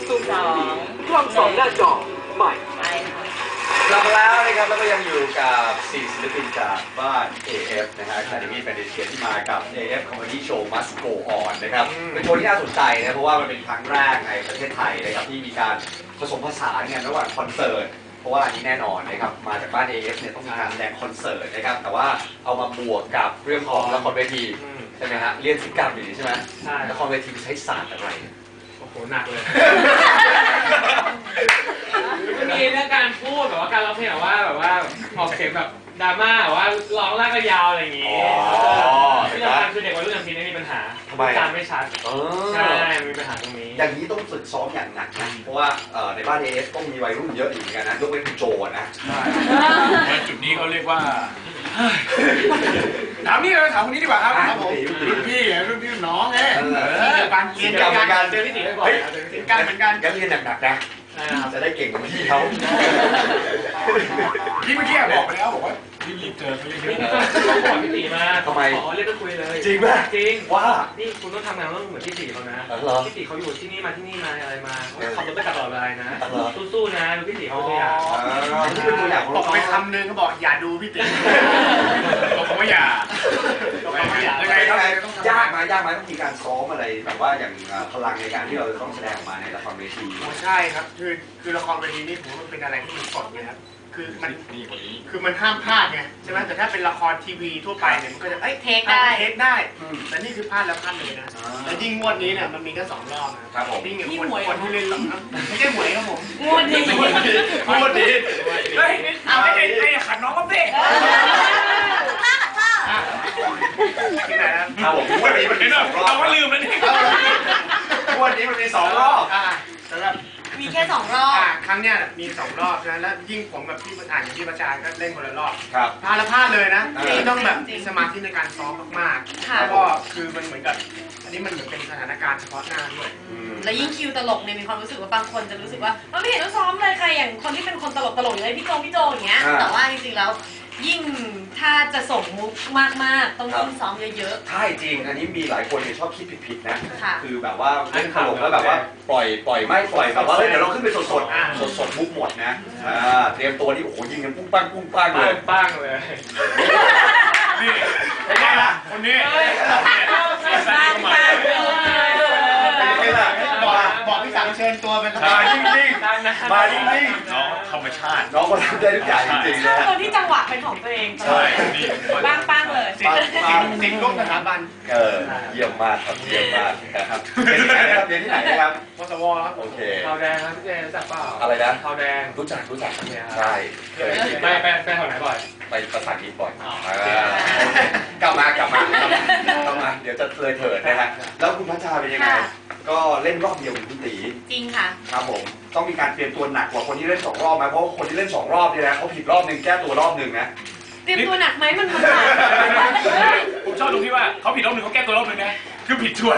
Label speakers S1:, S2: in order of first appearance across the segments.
S1: กล้อง2หน้าจอใหม่
S2: กลับมาแล้วนะครับแล้วก็ยังอยู่กับ4ศิลปินจากบ้าน AF นะฮะ Academy Fantasia ที่มากับ AF Comedy Show Must Go On นะครับเป็นโชว์ที่น่าสนใจนะเพราะว่ามันเป็นครั้งแรกในประเทศไทยนะครับที่มีการผสมผสานกันระหว่างคอนเสิร์ตเพราะว่าอันนี้แน่นอนนะครับมาจากบ้าน AF เนี่ยต้องมีการแสดงคอนเสิร์ตนะครับแต่ว่าเอามาบวกกับเรื่องของละครเวทีใช่ไหมฮะเรียนศิลปกรรมอยู่ใช่ไหมใช่ละครเวทีใช้ศาสตร์อะไร
S3: โอ้โหหนักเลยมีเรื่องการพูดแบบว่าการร้องเพลงแบบว่าออกเสียงแบบดราม่าแบบว่าร้องลากก็ยาวอะไรอย่างงี้ที่สำคัญคือเด็กวัยรุ่นอย่างพี่นี่มีปัญหาการไม่ชัดใช่มีปัญหาตรงนี้
S2: อย่างนี้ต้องฝึกซ้อมอย่างหนักนะเพราะว่าในบ้าน AF ต้องมีวัยรุ่นเยอะอยู่เหมือนกันนะยกเว้นคุณโจนะ
S4: จุดนี้เขาเรียกว่าถามนี่เลยถามคนนี้ดีกว่าครับผมรุ่นพี่น้องไงการเรียนการ
S3: เจอพี่ติ๋วบ่อยๆ
S4: การเหมือนกัน
S2: การเรียนหนักๆนะจะได้เก่งกว่าพี่เขา
S4: พี่เมื่อกี้บอกไปแล้วบอกว่ารีบเจอเขาเยอะ
S3: ๆต้องบอกพี่ติ๋วมา
S2: ทำไม
S3: ขอเรียกไปคุยเลย
S2: จริงป่ะ
S3: จริง
S2: ว่า
S3: นี่คุณต้องทำงานต้องเหมือนพี่ติ๋วเขานะพี่ติ๋วเขาอยู่ที่นี่มาอะไรมาขับรถไปตลอดเวลานะสู้ๆนะดูพี่ติ๋วเขาตัวอย่าง
S2: นี่เป็นตัวอย่าง
S4: บอกไปคำนึงเขาบอกอย่าดูพี่ติ๋วบอกว่าอย่า
S2: ยังไงครับยากไหมต้องมีการซ้อมอะไรแบบว่าอย่างพลังในการที่เราจะต้องแสดงออกมาในละครเวที
S4: ใช่ครับคือละครเวทีนี่ผมว่ามันเป็นอะไรที่มันสดเลยครับคือมันห้ามพลาดไงใช่ไหมแต่ถ้าเป็นละครทีวีทั่วไปเนี่ยมันก็จะ
S5: เทคได้
S4: แต่นี่คือพลาดแล้วพลาดเลยนะแต่ยิ่งงวดนี้เนี่ยมันมีแค่2 รอบนะครับ
S2: ผม
S4: นี่คนที่เล่นไม่ใช่หวยครับผม
S5: งวดนี้
S4: เฮ้ยเอาไม่ได้ขัดน้องก็เตะที่ไหน
S2: ครับผมงวดนี้มันมี2 รอบ
S4: เราก็ลืมแล้วนี่
S2: งวดนี้มันมี2 รอบ
S4: สำหรับ
S5: มีแค่2 รอบ
S4: ครั้งเนี้ยมี2 รอบนะแล้วยิ่งผมกับพี่ประธานกับพี่ประจานก็เล่นคนละรอบ
S2: ครับ
S4: พลาดเลยนะต้องแบบสมาธิในการซ้อมมากๆแล้วก็คือมันเหมือนกับอันนี้มันเหมือนเป็นสถานการณ์เฉพาะหน้าด้วย
S5: แล้วยิ่งคิวตลกเนี่ยมีความรู้สึกว่าบางคนจะรู้สึกว่าไม่เห็นต้องซ้อมเลยใครอย่างคนที่เป็นคนตลกอย่างเลยพี่โจอย่างเงี้ยแต่ว่าจริงๆแล้วยิ่งถ้าจะส่งมุกมากๆต้องยิ่งซ้อมเยอะ
S2: ๆใช่จริงอันนี้มีหลายคนชอบคิดผิดๆนะคือแบบว่าเล่นตลกแล้วแบบว่าปล่อยแบบว่าเดี๋ยวเราขึ้นไปสดมุกหมดนะเตรียมตัวนี่โอ้โหยิงกันปุ้งปังเลย
S4: นี่เป็นไงล่ะคนนี้บอกพี่สั่งเชิญตัวเป็น
S2: มานิ่ง
S4: น้องธรรมชาติ
S2: น้องคนทำได้ทุกอย่างจริงๆนะ
S5: คนที่จังหวะเป็นของตัวเอง
S4: ใช่
S5: ปังเลย
S4: สิ่งร่วมสถาบัน
S2: เยี่ยมมากครับเยี่ยมมากครับเรียนที่ไหนครับ
S4: มสวครับ
S2: โอเค
S3: ขาวแดงครับพี่เจรู้จักเปล่า
S2: อะไรนะ
S3: ขาวแดง
S2: รู้จักใช่
S3: ไปแถวไหนบ่อย
S2: ไปภาษาอังกฤษบ่อยกลับมาเดี๋ยวจะเถิดนะฮะแล้วคุณพัชชาเป็นยังไงก็เล่นรอบเดียวกับคุณตี
S5: จริงค่ะ
S2: ครับผมต้องมีการเตรียมตัวหนักกว่าคนที่เล่น2 รอบไหมเพราะคนที่เล่น2 รอบเนี่ยนะเขาผิดรอบนึงแก้ตัวรอบนึงนะ
S5: เตรียมตัวหนักไหมมัน
S4: ผมชอบตรงที่ว่าเขาผิดรอบนึงเขาแก้ตัวรอบนึงนะคือผิดชวน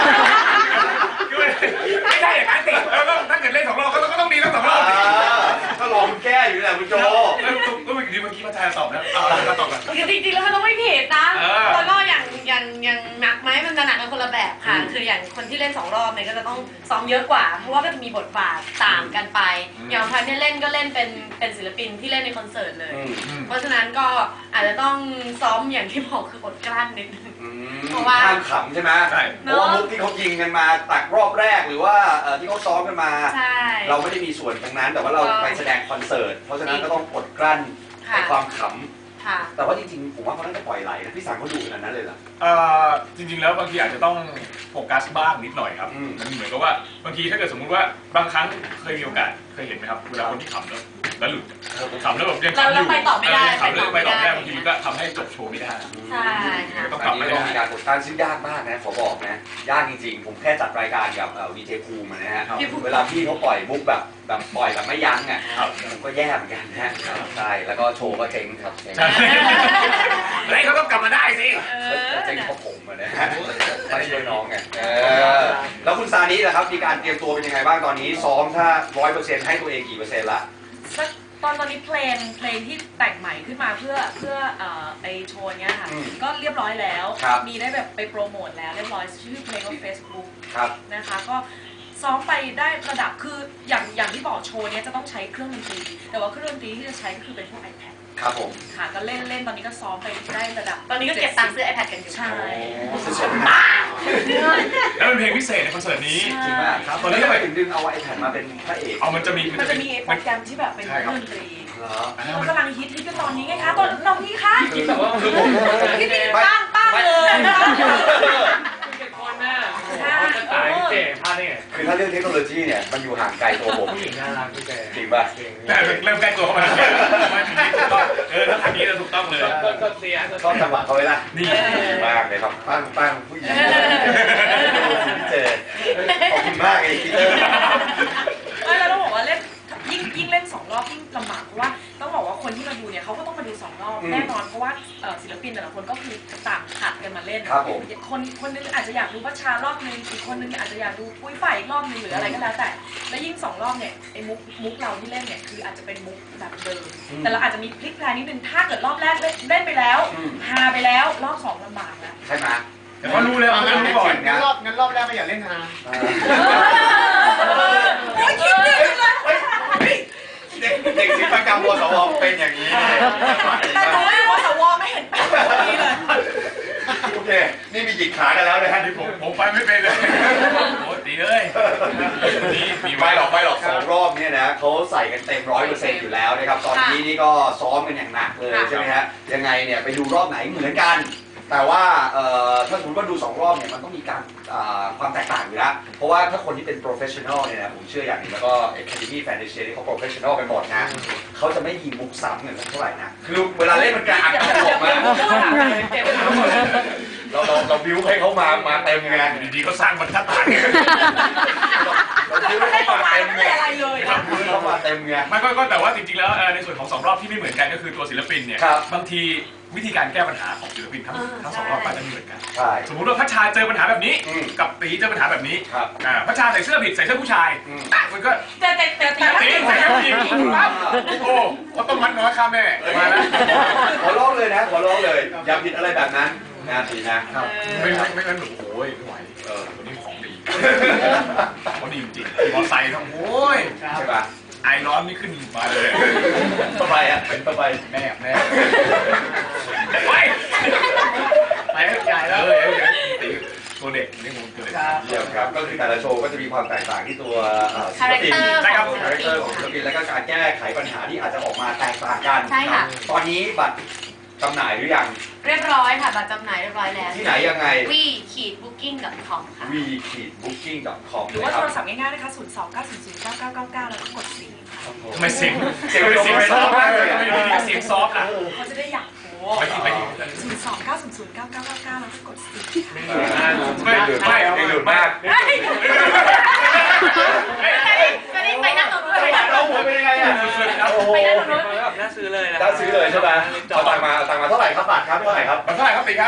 S4: ไม่ใช่อย่างนั้นสิแล้วก็ถ้าเกิดเล่น2 รอบก็ต้องดีทั้ง2 รอบ
S2: ก็รอคุณแก้อยู่แหละคุณโจ
S4: ก็เมื่อกี้มาแทนตอบแล้วมาตอบกัน
S5: จริงๆแล้วมันต้องไม่ผิดนะแล้วก็อย่างหนักไหมมันจะหนักกันคนละแบบค่ะคืออย่างคนที่เล่น2 รอบเนี่ยก็จะต้องซ้อมเยอะกว่าเพราะว่าก็จะมีบทบาทต่างกันไปอย่างพันเนี่ยเล่นก็เล่นเป็นศิลปินที่เล่นในคอนเสิร์ตเลยเพราะฉะนั้นก็อาจจะต้องซ้อมอย่างที่บอกคืออดกลั้นนิดนึง
S2: เพราะว่าห้ามขำใช่ไหมเพราะว่ามุกที่เขายิงกันมาตักรอบแรกหรือว่าที่เขาซ้อมกันมาเราไม่ได้มีส่วนตรงนั้นแต่ว่าเราไปแสดงคอนเสิร์ตเพราะฉะนั้นก็ต้องอดกลั้นในความขำแต่ว่าจริงๆผมว่าเขาน่าจะปล่อยไหลนะพี่สังเขาดูขนาดนั้นเลยเหรอ
S4: จริงๆแล้วบางทีอาจจะต้องโฟกัสบ้างนิดหน่อยครับมันเหมือนกับว่าบางทีถ้าเกิดสมมุติว่าบางครั้งเคยมีโอกาสเคยเห็นไหมครับเวลาคนที่ขำแล้วหลุดขำแล้วแบบยังขำอยู่
S5: ไปต่อไม่ได้
S4: ขำแล้วไปต่อไม่ได้บางทีมันก็ทำให้จบโชว์ไม่ได้
S5: ใช่ค่ะ
S2: ต้องกลับมาต้องมีการกดดันซึ่งยากมากนะขอบอกนะยากจริงๆผมแค่จัดรายการกับวีเจภูมินะฮะเวลาพี่เขาปล่อยมุกแบบปล่อยแบบไม่ยั้งอ่ะผมก็แย่เหมือนกันนะใช่แล้วก็โชว์ก็เจ๊งครับ
S4: แล้วเขาต้องกลับมาได้สิ
S2: เจ๊งเพราะผมนะฮะไม่ใช่น้องไงแล้วคุณซานิล่ะครับมีการเตรียมตัวเป็นยังไงบ้างตอนนี้ซ้อมถ้า 100% ให้ตัวเองกี่%ละ
S5: ตอนนี้เพลงที่แต่งใหม่ขึ้นมาเพื่อไอโชว์เนี้ยค่ะก็เรียบร้อยแล้วมีได้แบบไปโปรโมทแล้วเรียบร้อยชื่อเพลงว่า Facebook นะคะก็
S6: ซ้อมไปได้ระดับคืออย่างที่บอกโชว์เนี้ยจะต้องใช้เครื่องดนตรีแต่ว่าเครื่องดนตรีที่จะใช้ก็คือเป็นพวก iPad
S2: ครับผม
S6: ค่ะก็เล่นตอนนี้ก็ซ้อมไปได้ระดับ
S5: ตอนนี้ก็เก็บตังค์ซื้อ iPad กันอยู่
S6: ใช่
S4: แล้วเป็นเพลงพิเศษในคอนเสิร์ตนี้
S2: จริงมากครับตอนนี้ทำไมถึงดึงเอาไอแพดมาเป็นพระเอก
S4: เอามันจะมี
S6: มันจะมีโปรแกรมที่แบบเป็นเครื่องดนตรี
S2: เหรอ
S6: เรากำลังฮิตกันตอนนี้ไงคะตอนน้องพี่คะ
S3: คิดแบบว่าคือผม
S6: พี่พี่ป้างเลย
S3: เป็นคนน่ะจะตายพี่เจ๋พลาดได้ไง
S2: คือถ้าเรื่องเทคโนโลยีเนี่ยมันอยู่ห่างไกลตัวผม
S3: ผู้หญิงน่ารักพี่เจ๋
S2: จริงป่ะ
S4: แต่เริ่มใกล้ตัวเข้ามาแล้วถ้าทางนี้จะถูกต้องเลย
S3: ก็เสีย
S2: ชอบจังหวะเขาไว้ละ
S4: นี่
S2: ดีมากเลยครับปั้งผู้หญิงพี่เจขอบคุณมากเลยพี่
S6: เราต้องบอกว่าเล่นยิ่งเล่น2 รอบยิ่งลำบากเพราะว่าต้องบอกว่าคนที่มาดูเนี่ยเขาก็ต้องมาดู2 รอบแน่นอนเพราะว่าศิลปินแต่ละคนก็คือต่างผัดกันมาเล่น
S2: ครับผม
S6: คนนึงอาจจะอยากดูพัชชารอบนึงอีกคนนึงอาจจะอยากดูปุ้ยฝ่ายอีกรอบนึงหรืออะไรก็แล้วแต่และยิ่ง2 รอบเนี่ยไอ้มุกเราที่เล่นเนี่ยคืออาจจะเป็นมุกแบบเดิมแต่เราอาจจะมีพลิกแพลงนิดนึงถ้าเกิดรอบแรกเล่นไปแล้วฮาไปแล้วรอบ2ลำบากแล้ว
S2: ใช่ไหม
S4: แต่ว่ารู้แล้วงั้นรู้ก่อน
S7: งั้นรอบแรกก็อย่าเล่นนะ
S6: โอ้ยคิดดีเลย
S2: เด็กศิลปกรรมวสวเป็นอย่างนี้
S6: แต่รู้ว่าสวไม่เห็นเป็นแบบนี้เลย
S2: โอเคนี่มีหยิกขากันแล้วนะฮะ
S4: ที่ผมไปไม่เป็นเลยโอ้ตีเลยนี่มี
S2: ไม่หรอก2 รอบเนี่ยนะเขาใส่กันเต็ม100%อยู่แล้วนะครับตอนนี้นี่ก็ซ้อมกันอย่างหนักเลยใช่ไหมฮะยังไงเนี่ยไปดูรอบไหนเหมือนกันแต่ว่าถ้าสมมติว่าดู2 รอบเนี่ยมันต้องมีการความแตกต่างอยู่แล้วเพราะว่าถ้าคนที่เป็น professional เนี่ยนะผมเชื่ออย่างหนึงแล้วก็ Academy Fantasia ที่เขา professional กันหมดนะเขาจะไม่ยิงมุกซ้ำกันสักเท่าไหร่นะคือเวลาเล่นมันกระอักกระอ่ำมากเราบิวให้เขามาเต็มไง
S4: ดีๆก็สร้างบรรทัดฐาน
S2: เราบิวให้เขามาเต็มไง
S6: อะไรเลย
S2: เราบิวให้เขามาเต็มไง
S4: ไม่ก็แต่ว่าจริงๆแล้วในส่วนของ2 รอบที่ไม่เหมือนกันก็คือตัวศิลปินเนี่ย
S2: ครับ
S4: บางทีวิธีการแก้ปัญหาของศิลปินทั้ง2 รอบอาจจะไม่เหมือนกัน
S2: ใช่
S4: สมมุติว่าพัชชาเจอปัญหาแบบนี้
S2: อืม
S4: กับตีเจอปัญหาแบบนี้
S2: ครับ
S4: พัชชาใส่เสื้อผิดใส่เสื้อผู้ชาย
S2: อืม
S4: มันก็
S6: แต่ตี
S4: ตีใส่เสื้อผู้หญิงปั๊บโอ้เขาต้องมัดน้อยข้าแม่มาแล้ว
S2: ขอร้องเลยนะขอร้องเลยอย่าผิดอะไรแบบนั้นนะทีนะ
S4: ไม่งั้นหนูโอ้ยไม่ไหวตัวนี้ของดีเขาดีจริงๆมอไซค์ต้องโอ้ย
S2: ใช่ปะ
S4: ไอร้อนนี่ขึ้นมาเลย
S2: ทำไมอ่ะทำไม
S4: แน่ไปใหญ่แล้วตีตัวเด็กนี่มึงตัวเด็ก
S2: เยี่ยมครับก็คือแต่ละโชว์ก็จะมีความแตกต่างที่ตัวศิลปิน
S5: คาแรคเตอร์
S2: คาแรคเตอร์ของศิลปินแล้วก็การแก้ไขปัญหาที่อาจจะออกมาแตกต่างกัน
S5: ใช่ค่ะ
S2: ตอนนี้บัตรจำหน่ายหรือยัง
S5: เรียบร้อยค่ะบัตรจำหน่ายเรียบร้อยแล้ว
S2: ที่ไหนยังไง
S5: we-booking.com ค่ะ
S2: we-booking.com
S6: หรือว่าโทรศัพท์ง่ายๆนะคะ029009999แล้วก็กด4ค่ะ
S4: ทำไมเสียงซอฟต์มากเลยเสียงซอฟต์อ่ะ
S6: เขาจะได้อยากโห
S4: ไปที่
S6: 029009999แล้วก็กด4
S4: ไม่หลุดมาก
S2: ไม่หลุดมาก
S5: ก็ได้ไปนั่งตรงนู้นไปนั่งตร
S2: เรา
S5: ง
S2: หั
S5: นู้
S2: วน เป็นยังไงอ่ะโอ้โห
S5: ไปนั่งตรงนู้น
S3: น่าซื้อเลยนะ
S2: ได้ซื้อเลยใช่ไหมเอาตังค์มาเท่าไหร่ครับบัตรครับเท่าไหร่ครับ
S4: มันเท่าไหร่ครับตีครับ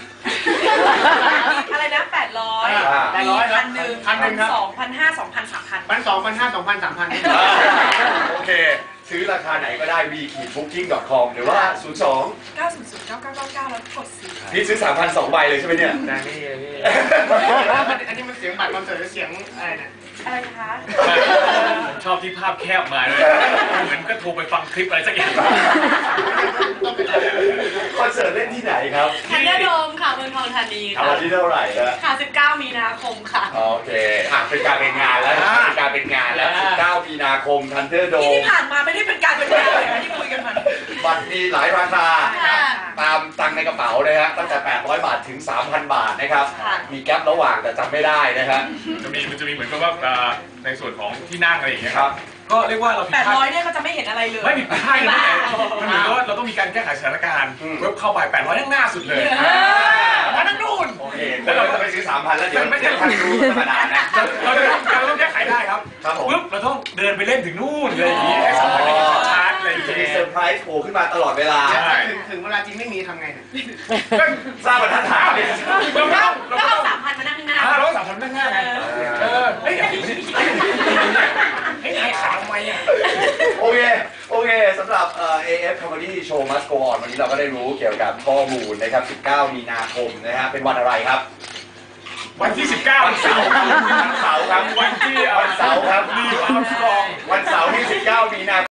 S6: อะไรนะ800
S7: 800
S6: มี
S7: ครับ
S6: 1,000
S7: ครับ
S6: 2,500 2,000 3,000
S7: 1,200 2,000 3,000
S2: โอเค ซื้อราคาไหนก็ได้ we-booking.com หรือว่า 02
S6: 9009999แล้วกด4
S2: พี่ซื้อ 3,000 2 ใบเลยใช่ไหมเนี่ย
S3: ได้ไม่เยอะพี่
S7: อันนี้มันเสียงบัตรคอนเสิร์ตหรือเสียงอะไรเนี่ย
S6: อะไรคะ
S4: ผมชอบที่ภาพแคบมาเลยเหมือนก็โทรไปฟังคลิปอะไรสักอย่าง
S2: คอนเสิร์ตเล่นที่ไหนครับ
S5: ทันเดอร์โดมค่ะเมืองทองธานี
S2: เอา
S5: ค่ะ
S2: วันที่เท่าไหร่นะ
S5: ค่ะ19 มีนาคมค่ะ
S2: โอเคเป็นการเป็นงานแล้วเป็นการเป็นงานแล้ว 19 มีนาคมทันเดอร์โด
S6: ที่
S2: ม
S6: ผ่านมาไม่ได้เป็นการเป็นงานเลยนะที่คุยกันมา
S2: บัตรมีหลายราคา
S5: ค่ะ
S2: ตามตังค์ในกระเป๋านะฮะตั้งแต่ 800 บาทถึง 3,000 บาทนะครับ
S5: ค่ะ
S2: มีแก๊ประหว่างแต่จำไม่ได้นะฮะ
S4: มันจะมีเหมือนกับว่าในส่วนของที่นั่งอะไรอย่างเงี้ย
S2: ครับ
S4: ก็เรียกว่าเราผิดพลาด
S6: 800เนี่ยก็จะไม่เห็นอะไรเลย
S4: ไม่ผิดพลาดเลยนะมันเหมือนกับว่าเราต้องมีการแก้ไขสถานการณ์เว็บเข้าไป800นั่งหน้าสุดเลยมานั่งนู่น
S2: โอเคแล้วเราจะไปซื้อ 3,000 แล้วเดี๋ยวท่านรู้ธรรมดานะ
S4: เราต้องแก้ไขได้ครับ
S2: ครับผม
S4: ปุ๊บเราต้องเดินไปเล่นถึงนู่นเลยอย่างนี้ให้สัมผัสได้ชัดๆอะไรอย่าง
S2: จะมี
S4: เงี้ย
S2: เซอร์ไพรส์โผล่ขึ้นมาตลอดเวลา
S4: ใช่
S7: ถึงเวลาจริงไม่มีทำไงเนี่ย
S2: สร้างบรรทัดฐานเลย
S5: ก็เอา3,000 มานั่งข้างหน้า
S4: เราสามพันนั่งหน้าไงเฮ้ยไอ้ขาทำไมอ่ะ
S2: โอเคสำหรับAF Comedy Show Must Go On วันนี้เราก็ได้รู้เกี่ยวกับข้อมูลนะครับ 19 มีนาคมนะฮะเป็นวันอะไรครับ
S4: วันที่ 19 วันเสาร์ครับ
S2: วันเสาร์ครับ
S4: วันที่
S2: วันเสาร์ครับ
S4: ลีอาร์มสตรอง
S2: วันเสาร์ที่ 19 มีนา